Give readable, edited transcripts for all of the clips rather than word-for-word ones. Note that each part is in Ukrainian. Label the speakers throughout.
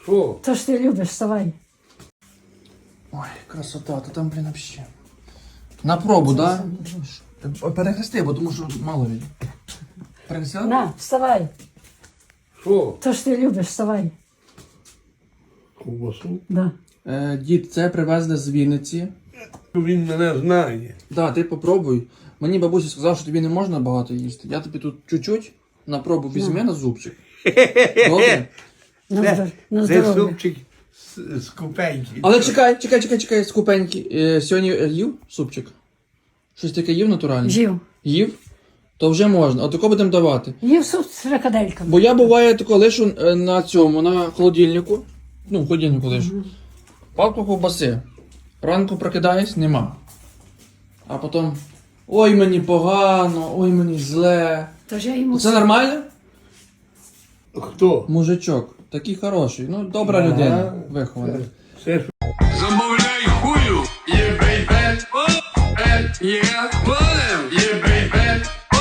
Speaker 1: Що?
Speaker 2: То ж ти любиш, вставай.
Speaker 3: Ой, красота, то там, блін, вообще. На пробу, да? Перехрести, бо тому що мало від. Перехрестила?
Speaker 2: На, вставай.
Speaker 1: Що?
Speaker 2: То ж ти любиш, вставай.
Speaker 1: Ковбасу?
Speaker 2: Да.
Speaker 3: Дід, це привезли з Вінниці.
Speaker 1: Він мене знає.
Speaker 3: Да, ти попробуй. Мені бабуся сказала, що тобі не можна багато їсти. Я тобі тут чуть-чуть на пробу візьми на зубчик. Добре?
Speaker 2: На
Speaker 1: Це
Speaker 2: здоров'я.
Speaker 1: супчик з купеньки.
Speaker 3: Але чекай, скупенький. Сьогодні їв супчик? Щось таке їв натуральне?
Speaker 2: Жив.
Speaker 3: Їв? То вже можна. Отако будемо давати.
Speaker 2: Їв суп з фрикадельками.
Speaker 3: Бо я буває тако лишу на цьому, на холодильнику. Ну, в холодильнику лишу. Палку ковбаси. Ранку прокидаюсь, нема. А потім ой мені погано, ой мені зле.
Speaker 2: Тож я йому
Speaker 3: Це нормально?
Speaker 1: Хто?
Speaker 3: Мужичок. Такий хороший. Ну, добра
Speaker 1: Ага.
Speaker 3: людина. Вихована.
Speaker 1: Це ж
Speaker 4: Замовляй хую, є бейбе, є полем, є бейбе,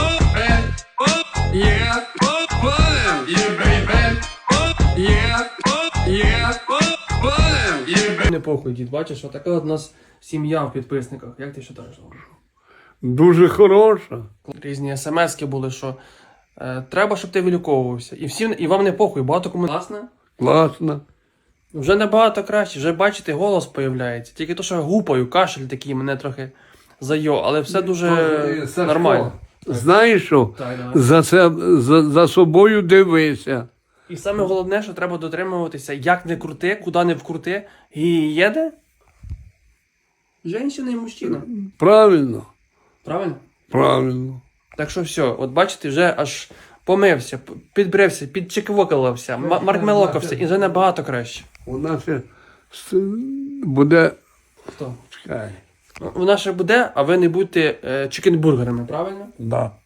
Speaker 4: є полем, є бейбе, є полем, є бейбе.
Speaker 3: Не похуй, дід, бачиш, отака от у нас сім'я в підписниках. Як ти вважаєш?
Speaker 1: дуже хороша.
Speaker 3: Різні смски були, що треба, щоб ти виліковувався. І вам не похуй, багато кому класно.
Speaker 1: Класно.
Speaker 3: Вже набагато краще, вже бачите, голос появляється. Тільки то, що я гупаю, кашель такий мене трохи зайо, але все дуже
Speaker 1: Сашко,
Speaker 3: нормально.
Speaker 1: Знаєш що?
Speaker 3: Так, давай.
Speaker 1: За собою дивися.
Speaker 3: І саме головне, що треба дотримуватися, як не крути, куди не вкрути, і їде жінка і мужчина.
Speaker 1: Правильно?
Speaker 3: Правильно?
Speaker 1: Правильно.
Speaker 3: Так що все, от бачите, вже аж помився, підбрився, підчеквокалився, маркмелокався, і вже набагато краще.
Speaker 1: У нас ще буде.
Speaker 3: Хто?
Speaker 1: Чекай.
Speaker 3: Вона ще буде, а ви не будьте чикенбургерами, правильно?
Speaker 1: Да.